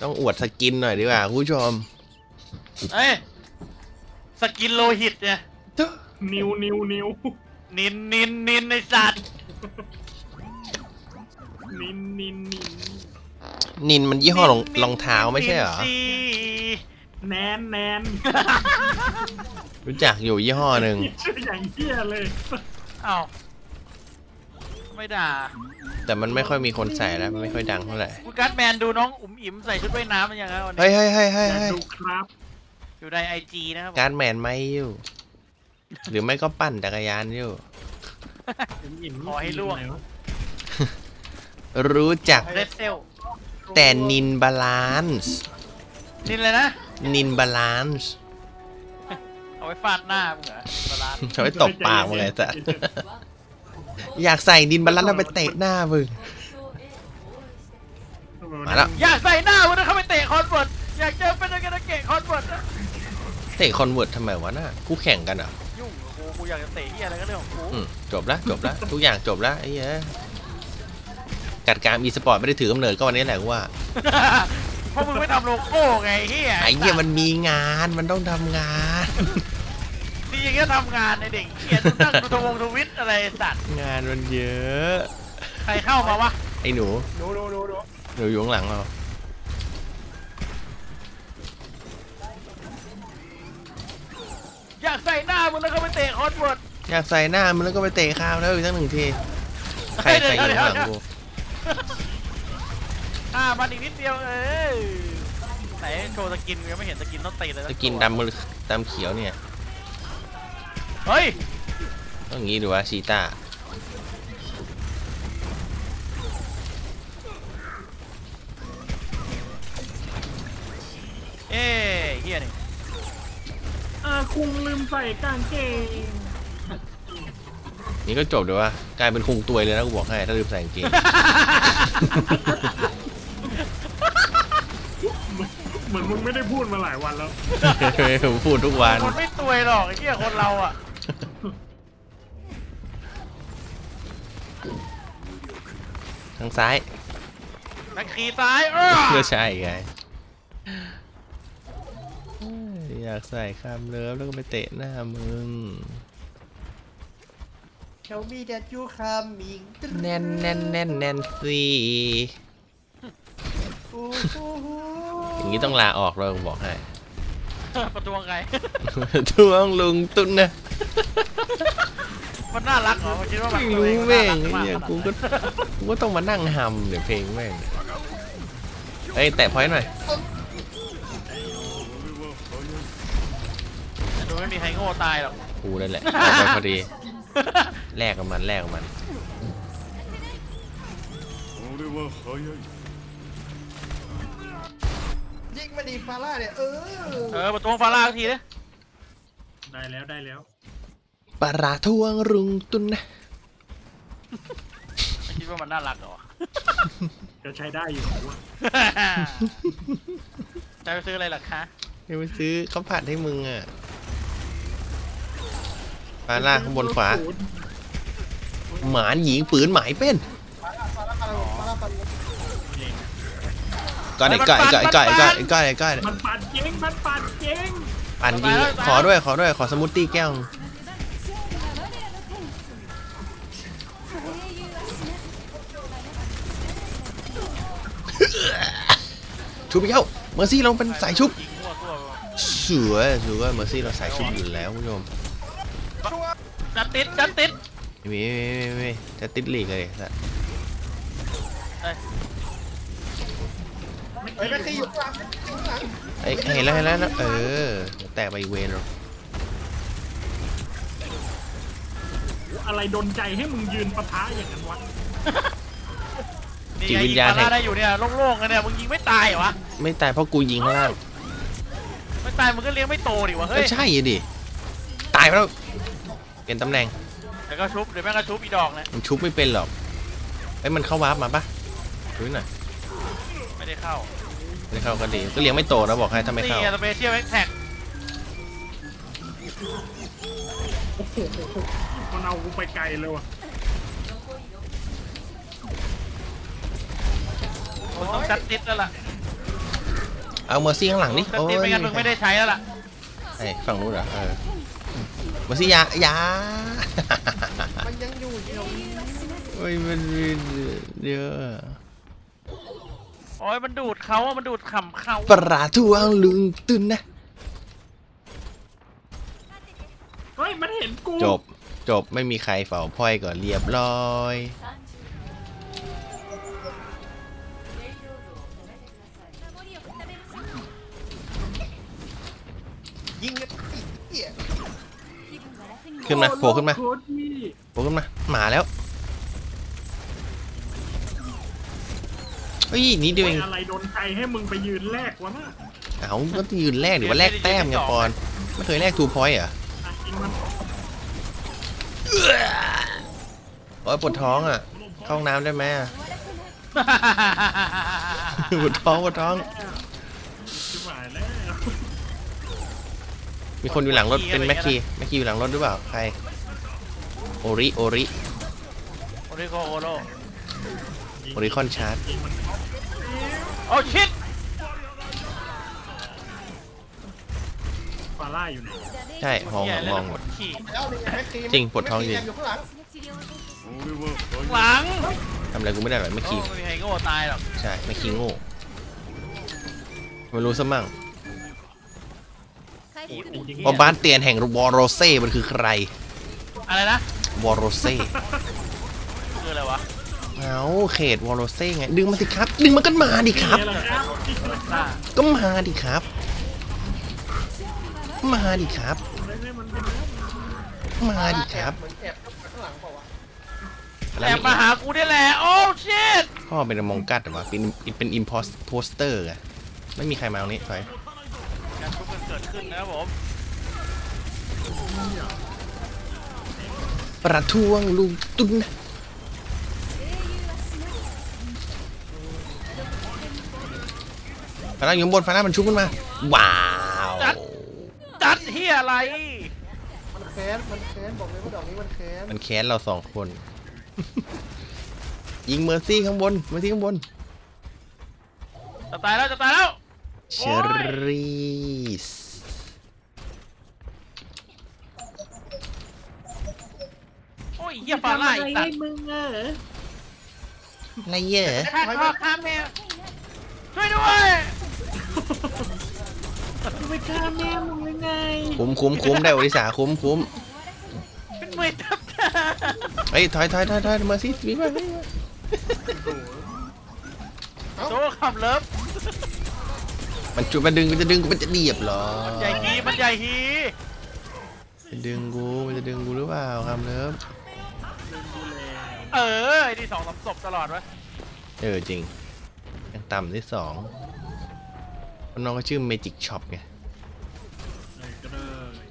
ต้องอวดสกินหน่อยดีกว่าคุณผู้ชมเอ้ยสกินโลหิตเนี่ยนิวนินในสัตว์นินนินมันยี่ห้อรองเท้าไม่ใช่เหรอแนนรู้จักอยู่ยี่ห้อหนึ่งชื่ออย่างเหี้ยเลยอ้าวไม่ด่าแต่มันไม่ค่อยมีคนใส่แล้วมันไม่ค่อยดังเท่าไหร่คุณการ์ดแมนดูน้องอุ๋มอิ๋มใส่ชุดว่ายน้ำมันยังไงวันนี้เฮ้ยดูครับอยู่ในIGนะครับการ์ดแมนไม่อยู่หรือไม่ก็ปั่นจักรยานอยู่ขอให้ล่วงรู้จักเรดเซลแต่นินบาลานซ์นินเลยนะนินบาลานซ์เอาไว้ฟาดหน้ามึงเหรอบาลานซ์เอาไว้ตบปากมึงเลยแต่อยากใส่นินบาลานซ์แล้วไปเตะหน้ามึงมาแล้วอยากใส่หน้ามึงนะเขาไปเตะคอนเวิร์ตอยากเจอเป็นอะไรเกะคอนเวิร์ตเตะคอนเวิร์ตทำไมวะน่ะคู่แข่งกันเหรอยุ่งกูอยากจะเตะที่อะไรก็เรื่องของกูจบแล้วทุกอย่างจบแล้วไอ้เหี้ยกัดการอีสปอร์ตไม่ได้ถือกำเนิดก็วันนี้แหละว่าเพราะมึงไม่ทำโลโก้ไงเฮียไอ้เหี้ยมันมีงานมันต้องทำงานนี่ยังแค่ทำงานในเด็กเขียนตั้งดูทวิตอะไรสัตว์งานมันเยอะใครเข้ามาวะไอ้หนูอยู่ข้างหลังเราอยากใส่หน้ามึงแล้วก็ไปเตะคอนเวิร์ตอยากใส่หน้ามึงแล้วก็ไปเตะข้าวแล้วอีกสักหนึ่งทีใครอยู่ข้างหลังกูมันอีกนิดเดียวไหนโชว์สกินยังไม่เห็นสกินต้องตีเลยสกินดำเขียวเนี่ยเฮ้ยต้องงี้ดูว่าชีต้าเฮียนี่คุงลืมใส่กางเกงนี่ก็จบเดี๋ยวว่ากลายเป็นคุงตัวยเลยนะกูบอกให้ถ้าลืมใส่กางเกงเหมือนมึงไม่ได้พูดมาหลายวันแล้วผมพูดทุกวันคนไม่ตัวยหรอกไอ้เหี้ยคนเราอ่ะทางซ้ายนักขี่ซ้ายก็ใช่ไงอยากใส่คำเลิฟแล้วก็ไปเตะหน้ามึงเขามีแต่จูคามิงแน่นสิอย่างนี้ต้องลาออกเลยบอกให้ประท้วงไงทวงลุงตุ้นนะมันน่ารักเหรอคิดว่ามันรู้แม่งเนี่ยกูก็ต้องมานั่งฮัมเดี๋ยวเพลงแม่งเฮ้ยแตะพอยต์หน่อยดูไม่มีใครโง่ตายหรอกกูนั่นแหละออกไปพอดีแลกกับมันยิงมาดีฟาร่าเนี่ยประท้วงฟาร่าทีเลยได้แล้วปลาทวงรุงตุนนะไม่คิดว่ามันน่ารักเหรอจะใช้ได้อยู่ว่ะจะไปซื้ออะไรล่ะคะจะไปซื้อข้าวผัดให้มึงอ่ะปลาล่าข้างบนขวาหมาหญิงปืนหมายเป็นก็มันปั่นเจ๊งปั่นยิงขอด้วยขอสมูทตี้แก้วชุบไปเข้าเมอร์ซี่เราเป็นสายชุบสวยเมอร์ซี่เราสายชุบอยู่แล้วคุณผู้ชมจัดติดมีจะติดลีกเลยสัตว์ไม่ตีอยู่ข้างหลังเห็นแล้วแตกไปอีกเวนหรออะไรดนใจให้มึงยืนปะทะอย่างนั้นวะจิตวิญญาณได้อยู่เนี่ยโล่งๆกันเนี่ยมึงยิงไม่ตายเหรอวะไม่ตายเพราะกูยิงข้างล่างไม่ตายมึงก็เลี้ยงไม่โตดิวะเฮ้ยใช่ดิตายแล้วเปลี่ยนตำแหน่งแล้วก็ชุบเดี๋ยวแม่งก็ชุบอีดอกนะมันชุบไม่เป็นหรอกมันเข้าวาร์ปมาปะดูหน่อยไม่ได้เข้าก็ดีก็เลี้ยงไม่โตนะบอกให้ถ้าไม่เข้านี่สเปเชียลแท็กมันเอากูไปไกลเลยว่ะต้องจัดติดแล้วล่ะเอาเมอร์ซี่ข้างหลังนี่แต่โอ้ตียไม่งั้นมึงไม่ได้ใช้แล้วล่ะไอ้ฝั่งนู้นเหรอเมอร์ซี่ยามันยังอยู่เดียวโอ้ยมันเยอะโอ้ยมันดูดเขาอะมันดูดขำเขาปลาทูอังลุงตุนนะเฮ้ยมันเห็นกูจบไม่มีใครเฝ้าพอยก่อนเรียบร้อยยิงกันอีกเหี้ยขึ้นมาโผล่ขึ้นมาโคตรดีโผล่ขึ้นมาหมาแล้วเฮ้ยนิดเดียวเองอะไรโดนใจให้มึงไปยืนแรกวะน่ะเอาก็ยืนแรกหรือว่าแลกแต้มไงปอนไม่เคยแลกทูพอยต์เหรออ่ะกินมันโอ้ยปวดท้องอ่ะเข้าห้องน้ำได้ไหมอะปวดท้องชิบหายแล้วมีคนอยู่หลังรถเป็นแม็กคีอยู่หลังรถหรือเปล่าใครโอริโอริโกโอโรโอริคอนชาร์จยิงมันโอ้ชิตฟาร่าอยู่ไหนใช่มองหมดขี่แล้วนี่ไงแม็กซีจริงปวดท้องจริงอยู่ข้างหลังหลังทำอะไรกูไม่ได้หรอกแม็กโอ้คีไม่มีใครโง่ตายหรอกใช่แม็กคีโง่ไม่รู้ซะมั่ง ว่าบ้านเตียนแห่งวอโรเซ่มันคือใครอะไรนะวอโรเซ่คืออะไรวะเอาเขตวอโรเซ่ไงดึงมาสิครับดึงมันก็มาดิครับนี่แหละครับนี่แหละคอ่ารับก็มาดิครับมาดิครับให้มันเป็นมาดิครับเหมือนแอบข้างหลังเปล่าวะแล้วแอบมาหากูได้แหละโอ้ชิตพ่อเป็นมองกัดหรือวะเป็นอิมโพสเตอร์ไงไม่มีใครมาตรงนี้ไปการทุบกันเกิดขึ้นนะครับผมประท้วงลุงตุ้นนะฟ้าอยู่ข้างบนฟ้ามันชุบขึ้นมาว้าวจัดเฮียอะไรมันแค้นบอกเลยว่าดอกนี้มันแค้นมันแค้นเราสองคน ยิงเมอร์ซี่ข้างบนเมอร์ซี่ข้างบนจะตายแล้วจะตายแล้วเชอรีสโอ้ยเฮียฟาร่าอีกตัดมึงเอออะไรเยอะฆ่าพ่อฆ่าแม่ช่วยด้วยไปฆ่าแม่มึงยังไงคุ้มได้โอริสาคุ้มเป็นมือทับตาเฮ้ยถอยเมอร์ซี่วิ่งมาโซ่ขับเลิฟมันจุดมันดึงมันจะเดียบเหรอใหญ่ฮีมันใหญ่ฮีมันจะดึงกูหรือเปล่าครับเลิฟเออไอ้ที่2-3ศพตลอดวะจริงยังต่ำที่2น้องก็ชื่อ Magic Shop ไงก็ได้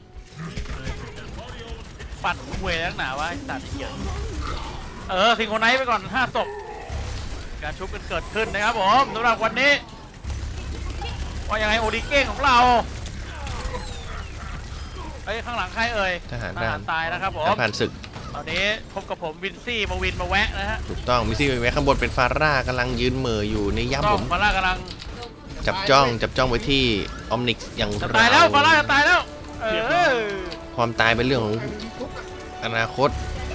ปั่นคุยแล้วหนาวะไอ้สัตว์เหี้ยซิงโครไนท์ไปก่อน5ศพการชุบกันเกิดขึ้นนะครับผมสำหรับวันนี้ว่ายังไงโอดิเก้งของเราเอ้ยข้างหลังใครเอ่ยทหารตายนะครับผมผ่านศึกตอนนี้พบกับผมวินซี่มาวินมาแวะนะฮะถูกต้องมิซี่ไว้ข้างบนเป็นฟาร่ากำลังยืนเหม่ออยู่ในย่ำต้ผองมฟาร่ากำลังจับจ้องไว้ที่ออมนิกอย่างจะตายแล้วฟาร่าจะตายแล้วความตายเป็นเรื่องของอนาคต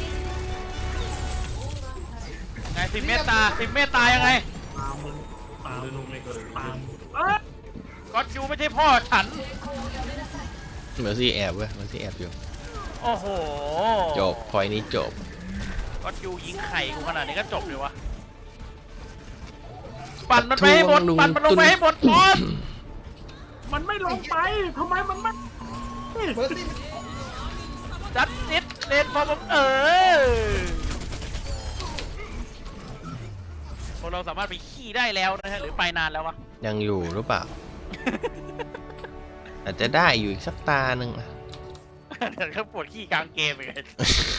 ไง10 เมตตายังไงปามึงปาลงเลยปาก็ยูไม่ใช่พ่อฉันเมอร์ซี่แอบเว้ยเมอร์ซี่แอบอยู่โอ้โหจบพอยนี้จบก็ยูยิงไข่กูขนาดนี้ก็จบเลยวะปั่นมันไปให้หมดปั่นมันลงไปให้หมดบอสมันไม่ลงไปทำไมมันไม่เมอร์ซี่จัดนิดเลนพอผมพวกเราสามารถไปขี่ได้แล้วนะฮะหรือไปนานแล้ววะยังอยู่หรือเปล่า อาจจะได้อยู่อีกสักตาหนึ่งอะเดี๋ยวเขาปวดขี้กลางเกมอีกไง